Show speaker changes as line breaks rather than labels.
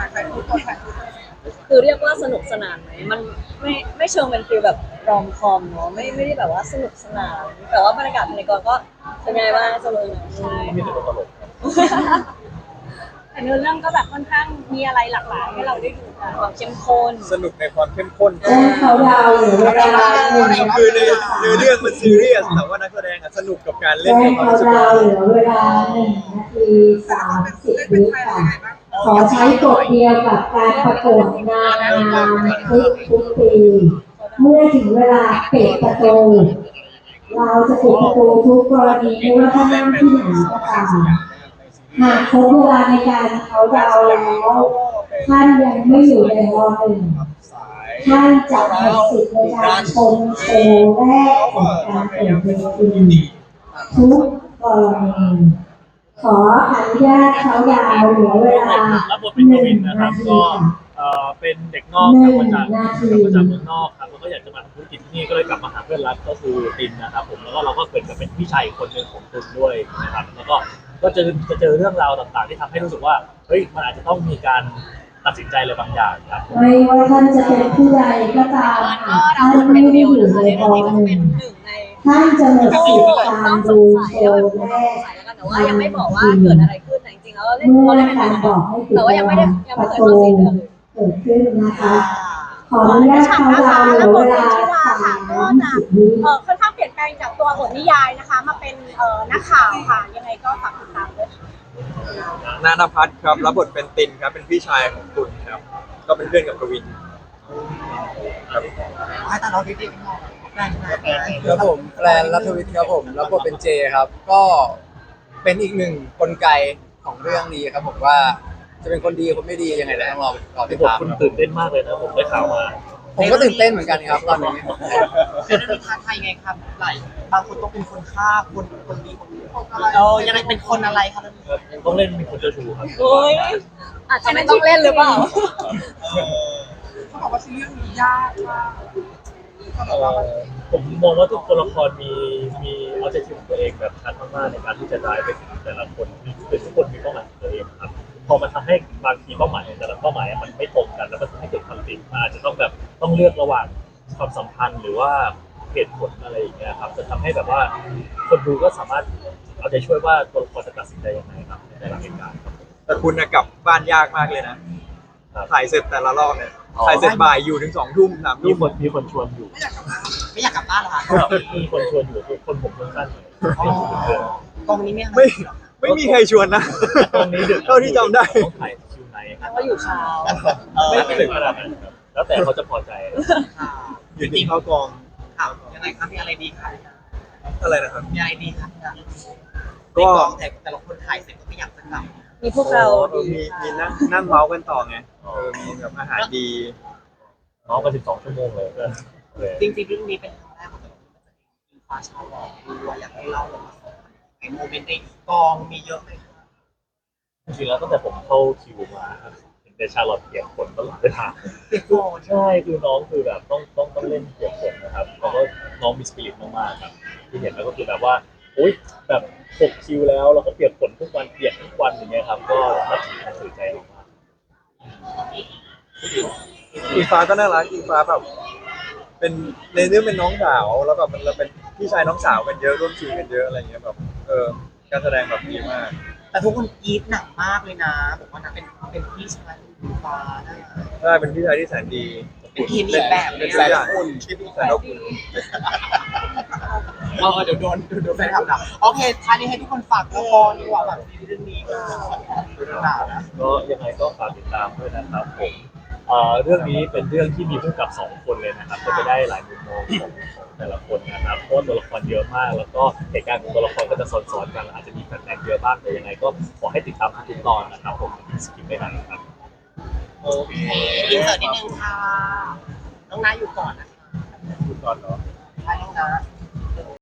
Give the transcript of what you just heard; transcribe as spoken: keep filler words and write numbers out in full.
ใครพูดก่อนใครพูดก่อน
คือเรียกว่าสนุกสนานไหมมันไม่ไม่เชิงเป็นฟีลแบบรอมคอมเนาะไม่ไม่ได้แบบว่าสนุกสนานแต่ว่าบรรยากาศภายในกองก็เป็นไงบ้างสนุกใช่
มีแต่ตัวตลก
แต่เนื้อเรื่องก็แบบค่อนข้างมีอะไรหลากหลายให้เราได้ดูกัน
ความเข้มข้น
สนุกในความเข้มข้น
แจ้งเขาดาวน์หรือเวลาหนึ่งนา
คือ
ที
ในในเรื่องมันซีเรียสแต่ว่านักแสดงอะสนุกกับการเล่
แจ้
น
ง
กับความ
เขา
รู้สึก
ดาวน์เหลือเวลาหนึ่งนาทีสามสิบวิค่ะขอใช้กฎเดียวกับการประกวดนางงามทุกทุกปี เมื่อถึงเวลาปิดประตูเราจะปิดประตูทุกกรณีไม่ว่าท่านนั่งที่ไหนก็ตามหากครบเวลาในการเขาดาวน์แล้วท่านยังไม่อยู่ในวอหนึ่งท่านจะหมดสิทธิ์ในการชมโชว์แรกของการเปิดเวทีทุกกรณีขออนุญาตเขาดาวน์เหลือเวลา
รับบทเป็น
ห
ก
นึ่
วิ
ง
นนะค
นา
รับ
ที
ก็
ค่ะ
เอ่อเป็นเด็กนอกกลับมาจากกลับมาจากเมืองนอกครับแล้วก็อยากจะมาทำธุรกิจที่นี่ก็เลยกลับมาหาเพื่อนรักก็คือตินนะครับผมแล้วก็เราก็เป็นกับเป็นพี่ชายอีกคนหนึ่งของตุนด้วยนะครับแล้วก็ก็จะจะเจอเรื่องราวต่างๆที่ทำให้รู้สึกว่าเฮ้ยมันอาจจะต้องมีการตัดสินใจอะไรบางอย่างครับ
ไม่ว่าท่านจะเป็นผู้ใดก็ตามหากท่านไม่ได้อยู่ในกองหนึ่ง
หนึ่งใน
ท่านจะหมดสิทธิ์กา
ต้
ร
องส
ดู
งสัย
โช
แล้วแบบ
ว์
ส
แรก
งสัยแล้วกันแต่ว่ายังไม่บอกว่าเกิดอะไรขึ้นแต่จริงๆแล้วเราเล่น
เมื่อ
เราเล่นเป็น
การ
แบบ
บอกให้ปิด
แต่ว่ายังไม่ได้ยัง
ป
ไม่
ระ
เคย
ตู
เข้าซีนเลย
เกิดขึ้นนะคะ ขออนุญาตเขาดาวน์เหลือเวลาสามสิบวิ
เออค่อนข้างเปลี่ยนแปลงจากตัวบทนิยายนะคะ มาเป็นเอ่อนักข่าวค่ะ ยังไงก็ฝากติดตามด้วยค่ะ
นานาพัฒน์ครับรับบทเป็นตินครับเป็นพี่ชายของตุลครับก็เป็นเพื่อนกับกวินครับ
ให้ตาเราดีๆกันหน่อยแรงแรงแรง
ครับผมแกลนรัฐวิทย์ครับผมรับบทเป็นเจครับ ก็เป็นอีกหนึ่งกลไกของเรื่องนี้ครับผมว่าจะเป็นคนดีคนไม่ดียังไงเดี๋ยวต้องรอรอติด
ผม
ตาม
คุณตื่นเต้นมากเลยนะผมได้ข่าวมา
ผมก็ตื่นเต้นเหมือนกันครับตอนนี้
คือเรื่องท้าทายไงครับหลายบางคนต้องเป็นคนฆ่าคนคนดีคนเออยังไงเป็นคนอะไรครับ
ต้องเล่นเป็นคนเจ้าชู้ครับ
โอ้ยอาจจะไม่ต้องเล่นหรือเปล่า
เขาบอกว่าซีรีส์นี้ยากมากเขาบอก
เอ่
ว่า
อผมมองว่าทุกตัวละครมีมีออเจติฟของตัวเองแบบชัดมากๆในการที่จะได้ไปถึงแต่ละคนคือทุกคนมีเป้าหมายของตัวเองครับพอมันทำให้บางทีเป้าหมายแต่ละเป้าหมายมันไม่ตรงกันแล้วมันทำให้เกิดคอนฟ lict มันอาจจะต้องแบบต้องเลือกระหว่างความสัมพันธ์หรือว่าเหตุผลอะไรอย่างเงี้ยครับจะทำให้แบบว่าคนดูก็สามารถเอาใจช่วยว่าตัวละครจะตัดสินใจยังไงครับในแต่ละเหตุการณ์ครับ
แต่คุณน่ะกลับบ้านยากมากเลยนะถ่ายเสร็จแต่ละรอบเนี่ยถ่ายเสร็จบ่ายอยู่ถึงสองทุ่มสาม
มี
ทุ่ม
คนมีคนชวนอยู่
ไม่อยากกลับบ้านไม่อยากกลับบ้านเหรอคะ
มีคนชวนอยู่ทุกคนผมสั้นๆหน่อย
กองนี้ไม่
ไม่ไม่มีใครชวนนะ
ตรงนี้ดึก
เท่าที่จำได้
ต้องถ่ายคิวไหนครับ
ว่าอยู่เช้า
ไม่ถึงขนาดนั้นครับแล้วแต่เขาจะพอใจ
อยู่ที่เข้ากอง
ข่าวยังไงครับมีอะไรดีครับ
อะไรนะครับ
มีอะไรดีครับ
ก็
กองแต่แต่ละคนถ่ายเสร็จก็ไม่อยากจะกลับ
มีพวกเรา
เออมีมีนั่งนั่งเมาส์กันต่อไงเออมีแบบอาหารดี
น้องมาสิบสองชั่วโมงเลยก็เลย
จริงๆเรื่องนี้เป็นครั้งแรกของผมที่ฟ้าชาวบอกด้วยอยากให้เล่าเลยว่าในโมเมนต์ในกองมีเยอะไหม
จริงๆแล้วตั้งแต่ผมเข้าคิวมาครับเห็นแต่ชาลอตเปียกฝนตลอดเวลา
เปียกฝน
ใช่คือน้องคือแบบต้องต้องต้องเล่นเปียกฝนนะครับแล้วก็น้องมีสปิริตมากๆครับที่เห็นแล้วก็คือแบบว่าอุ้ยแบบหกคิวแล้วเราก็เปียกฝนทุกวันเปียกทุกวันอย่างเงี้ยครับก็นับถือนับถือใจมาก
อิงฟ้าก็น่ารักอิงฟ้าแบบเป็นในเรื่องเป็นน้องสาวแล้วแบบมันเราเป็นพี่ชายน้องสาวกันเยอะร่วมทีมกันเยอะอะไรเงี้ยแบบเออการแสดงแบบดีมาก
แต่ทุกคนกรี๊ดหนักมากเลยนะบอกว่านะเป็นเป็นพี่ชายคุณฟ้าได้
ใช่เป็นพี่ชายที่แสนดี
เป็นทีมอีกแบบ
เป็น
แส
สาย
น
ละ
อุ่น
แสนอบอุ่น
เออเดี๋ยวโดนเดี๋ยวแฟนคลับด่าโอเคท้ายนี้ให้ทุกคนฝากละครดีกว่าแบบเรื่องนี้ก็ด่านะ
ๆก็ยังไงก็ฝากติดตามด้วยนะครับผมเอ่อเรื่องนี้เป็นเรื่องที่มีผู้กำกับสองคนเลยนะครับก็จะได้หลายมุมมองของของแต่ละคนนะครับเพราะว่าตัวละครเยอะมาก แล้วก็เหตุการณ์ของตัวละครก็จะซ้อนๆกันอาจจะมีแฟนๆเยอะบ้างแต่ยังไงก็ขอให้ติดตามทุกตอนนะครับผมสกิปไม่ได้นะครับ
โอเคอินเสิร์ตนิดนึงค่ะน้องน้าอยู่ก่อนนะคะ
ทุกตอนเนาะ
ใช่น้องน้า